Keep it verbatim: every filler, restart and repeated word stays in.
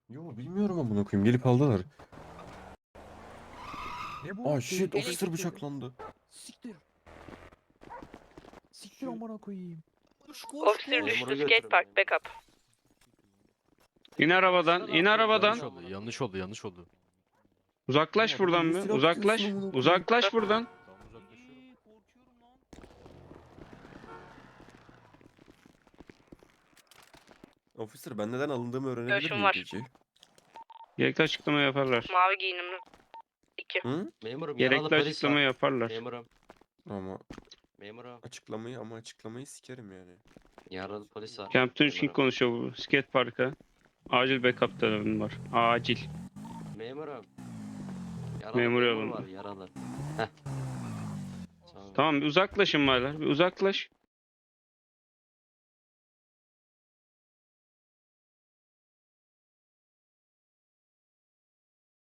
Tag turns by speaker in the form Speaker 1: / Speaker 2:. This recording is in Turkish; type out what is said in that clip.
Speaker 1: Yo bilmiyorum amına koyayım. Gelip aldılar.
Speaker 2: Ne bu?
Speaker 1: Aa shit,
Speaker 2: Tehlikeli
Speaker 1: officer
Speaker 2: ekip dedi.
Speaker 1: bıçaklandı.
Speaker 2: Siktir. Siktir amına koyayım.
Speaker 3: Koş koş
Speaker 4: Officer
Speaker 3: koş.
Speaker 4: düştü. Skate park backup.
Speaker 5: İn arabadan, in arabadan.
Speaker 6: Yanlış oldu, yanlış oldu, yanlış oldu.
Speaker 5: Uzaklaş
Speaker 1: Ya,
Speaker 5: buradan
Speaker 1: bir
Speaker 5: bir.
Speaker 1: silah
Speaker 5: Uzaklaş.
Speaker 1: tutuyorsun amına koyayım.
Speaker 5: Uzaklaş buradan.
Speaker 6: Tamam uzaklaşıyorum.
Speaker 3: Korkuyorum lan.
Speaker 1: Officer ben neden alındığımı öğrenebilir
Speaker 4: Görüşüm
Speaker 1: miyim
Speaker 4: var.
Speaker 1: peki?
Speaker 5: Gerekli açıklama yaparlar.
Speaker 4: Mavi giyinimli. İki.
Speaker 1: Hı?
Speaker 7: Memurum yaralı
Speaker 5: Gerekli
Speaker 7: polis
Speaker 5: açıklama
Speaker 7: var.
Speaker 5: yaparlar.
Speaker 7: Memurum.
Speaker 1: Ama
Speaker 7: Memurum.
Speaker 1: açıklamayı ama açıklamayı sikerim yani.
Speaker 7: Yaralı polis var.
Speaker 5: Captain King
Speaker 7: Memurum.
Speaker 5: konuşuyor bu. Skate parka. Acil backup tarafın var. Acil.
Speaker 7: Memurum. Yaralı
Speaker 5: Memur
Speaker 7: memur
Speaker 5: yalın.
Speaker 7: var yaralı. Heh. Tamam.
Speaker 5: Tamam bir uzaklaşın baylar. Bir uzaklaş.